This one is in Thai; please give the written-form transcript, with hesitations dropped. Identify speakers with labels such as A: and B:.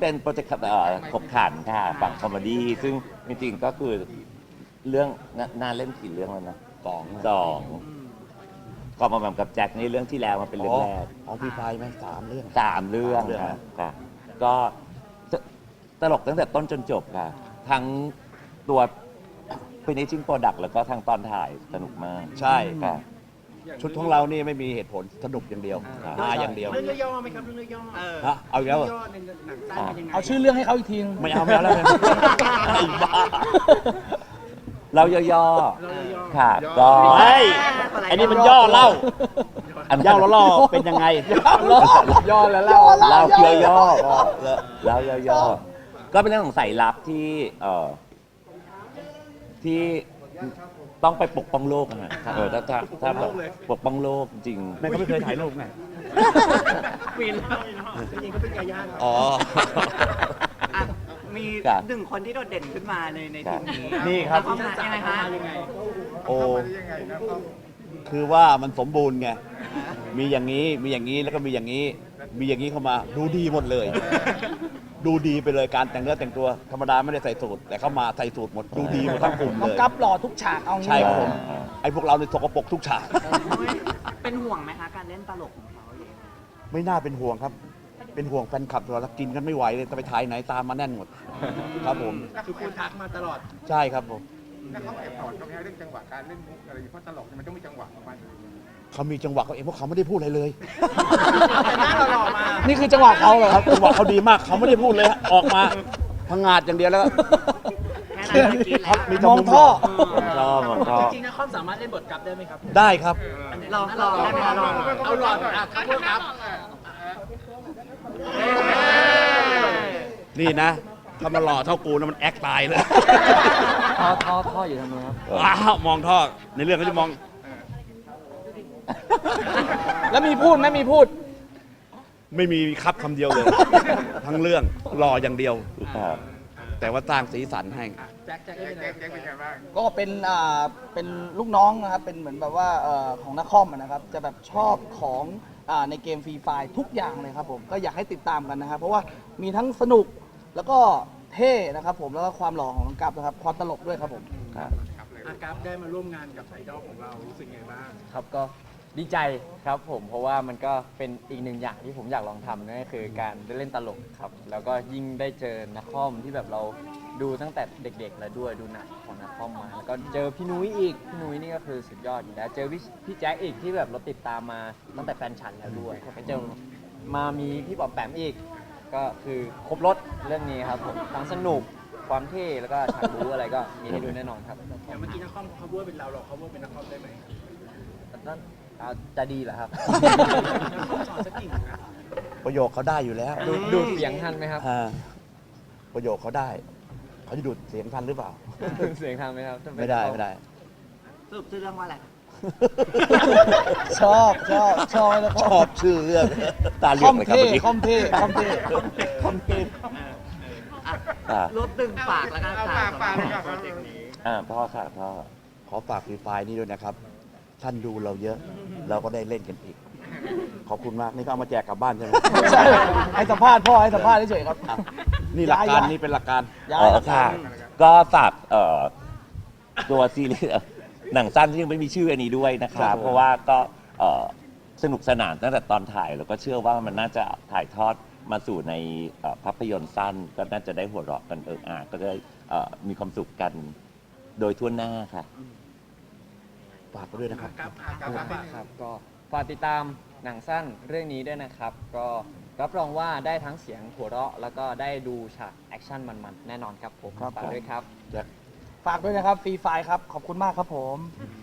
A: เป็นโปรเจกต์ขบขันค่ะฝั่งคอมเมดี้ซึ่งจริงๆก็คือเรื่องน่าเล่นกี่เรื่องแล้วนะสองก็มาแบบกับแจ็คนี่เรื่องที่แล้วมาเป็นเรื่องแรก
B: ของพี่ไฟไหม3 เรื่อง
A: 3 เรื่องค่ะก็ตลกตั้งแต่ต้นจนจบค่ะทั้งตัวfinishing product แล้วก็ทั้งตอนถ่ายสนุกมาก
B: ใช่
A: ค่ะ
B: ชุดของเรานี่ไม่มีเหตุผลสนุกอย่างเดียวมาอย่างเดียว
C: เรื่องย่อๆไหมครับเรื่องย่อๆ
B: ฮะเอาอีกแล้วเหรอ
C: ย่อในหนังสั้นเป็นยังไง
D: เอาชื่อเรื่องให้เขาอีกทีนึง
B: ไม่เอาแล้วไงไอ้บ้า
A: เราย่อๆค่ะก็
B: เฮ้ยไอ้นี่มันย่อเล่าย่อแล้วล่อเป็นยังไง
D: ย่อแล้วเล่า
A: เล่าย่อๆเล่าย่อๆก็เป็นเรื่องของสายลับที่ต้องไปปกป้องโลกนะถ้าแบบปกป้องโลกจริง
B: แม่ก็ไม่เคยถ่ายรูปไง
C: ปีนแล้วจริงๆก็เป็นไก่ย่าง
B: อ๋อ
E: อ่ะมี1 คนที่โดดเด่นขึ้นมาในทีมนี้
B: นี่ครับ
E: แล้วเขามายังไงคะ
B: โอ้คือว่ามันสมบูรณ์ไง มีอย่างนี้ มีอย่างนี้ แล้วก็มีอย่างนี้ มีอย่างนี้เข้ามา ดูดีหมดเลย ดูดีไปเลยการแต่งเนื้อแต่งตัว ธรรมดาไม่ได้ใส่สูทแต่เข้ามาใส่สูทหมด ดูดีหมดทั้งกลุ่ม
D: น้อ
B: เล
D: ง
B: ย
D: กัปหล่อทุกฉากเอางี้
B: ใช่ครับผม ไอ้พวกเราในยสกปรกทุกฉาก
E: เป็นห่วงไหมคะการเล่นตลกของเขา
B: ไม่น่าเป็นห่วงครับ เป็นห่วงแฟนคลับตัวแล้วกินกันไม่ไหวเลยจะไปถ่ายไหนตามมาแน่นหมด ครับผม
C: คือคุณทักมาตลอด
B: ใช่ครับผม
F: แล้วเขาแอบสอนเขาไหมเรื่องจังหวะการเล่นมุกอะไรเพราะตลกเนี่ยมันต้องมีจังหวะของมัน
B: เขามีจังหวะเขาเองเพราะเขาไม่ได้พูดอะไรเลย
C: แต่หน้าหล่อๆมา
D: นี่คือจังหวะเขาเหรอ
B: ค
D: ค
B: รั
D: รั
B: บบ จังหวะเขาดีมากเขาไม่ได้พูดเลยฮะออกมาพังงาดอย่างเดียวแล้วก็
E: แค่นั้นก็กินแล้ว
B: มี
D: มองท่อ
A: ชอบชอบ
C: จริงๆนะคอมสามารถเล่นบทกลับได้ไหมครับ
B: ได้ครับ
E: ลองได้ไหมคะลอง
C: เอาหลอดอ่ะครับพูดครับ
B: นี่นะ ถ้ามันหล่อเท่ากูนะมันแอคตายเลย
D: ท่ออยู่ทางนู้นครับ
B: ว้าวมองท่อ ในเรื่องเขาจะมอง
D: แล้วมีพูดไหมมีพูด
B: ไม่มีครับคำเดียวเลย ทั้งเรื่องหล่ออย่างเดียว
A: ครับ
B: แต่ว่าสร้างสีสันให้
C: แจ็คได้เป็นไง
F: แจ็คเป็นไงบ้าง
D: ก็เป็นลูกน้องนะครับ เป็นเหมือนแบบว่าของนักคอมนะครับ จะแบบชอบของในเกมฟรีไฟทุกอย่างเลยครับผม ก็อยากให้ติดตามกันนะครับ เพราะว่ามีทั้งสนุกแล้วก็เท่นะครับผม แล้วก็ความหล่อของน้องกัปนะครับ ความตลกด้วยครับผม
A: ครับ
C: อากัฟได้มาร่วมงานกับไอดอลของเรารู้สึกไงบ้าง
G: ครับก็ดีใจครับผมเพราะว่ามันก็เป็นอีกหนึ่งอย่างที่ผมอยากลองทำนั่นก็คือการได้เล่นตลกครับแล้วก็ยิ่งได้เจอนักคอมที่แบบเราดูตั้งแต่เด็กๆแล้วด้วยดูหนังของนักคอมมาแล้วก็เจอพี่นุ้ยอีกพี่นุ้ยนี่ก็คือสุดยอดอยู่แล้วเจอพี่แจ็คอีกที่แบบเราติดตามมาตั้งแต่แฟนฉันแล้วด้วยไปเจอมามีพี่ปอมแปมอีกก็คือครบรถเรื่องนี้ครับผมทั้งสนุกความเท่แล้วก็ฉากบู๊อะไรก็มีให้ดูแน่นอนครับ
C: อย่างเมื่อกี้นักคอมเขาว่าเป็นเราเขาว่าเป็นนักคอมได้ไหม
G: จะดีเหรอครับ
C: นักคอมสอนสักกิ่งนะ
B: ประโยคเขาได้อยู่แล้ว
G: ดูเสียงทันไหมครับ
B: อ่าประโยคเขาได้ เขาจะดูดเสียงทันหรือเปล่า
G: เสียงทันไหมครับ
B: ไม่ได้ไม่ได้
E: สรุปชื่อเรื่องว่าอะไร
D: ชอบแล้ว
B: ชอบชื่อเรื่อง
A: ตาเหลื
D: ค
A: อ
D: อก ม
A: เลยครับ
D: เท่
A: เมื่อกี้
D: คอมเท่คอมเท่
B: คำเกม
E: อ่ะรวบตึงฝากแล้วกันค่ะ
F: ฝาก
E: สำหรับ
F: ฝาก
E: โปรเจกต์นี้
A: พ่อค่ะพ่อ
B: ขอฝากฟรีไฟล์นี้ด้วยนะครับ ท่านดูเราเยอะ เราก็ได้เล่นกันอีก ขอบคุณมาก นี่ก็เอามาแจกกลับบ้านใช่ไหม
D: ใช่ให้สัมภาษณ์พ่อให้สัมภาษณ์เฉยๆครับ
B: อ่ะนี่หลักการ
D: ย้าย
B: นี่เป็นหลักการ
D: ย้าย
A: ค่ะ ก็ฝากตัวซีรีส์หนังสั้นที่ยังไม่มีชื่ออันนี้ด้วยนะค
B: ครั
A: รั
B: บบ ผม
A: เพราะว่าก็สนุกสนานตั้งแต่ตอนถ่ายแล้วก็เชื่อว่ามันน่าจะถ่ายทอดมาสู่ในภาพยนตร์สั้น ก็น่าจะได้หัวเราะกันก็ได้มีความสุขกันโดยทั่วหน้าค่ะ
B: ฝากไปด้วยนะครับ
C: กัฟอากัฟฝาก
G: ครับก็ฝากติดตามหนังสั้นเรื่องนี้ด้วยนะครับ ก็รับรองว่าได้ทั้งเสียงหัวเราะ แล้วก็ได้ดูฉากแอคชั่นมันๆ แน่นอนครับผม
D: ครับ
G: ฝากด้วยครับ
D: ฝากด้วยนะครับฟรีไฟครับ ขอบคุณมากครับผม
G: ค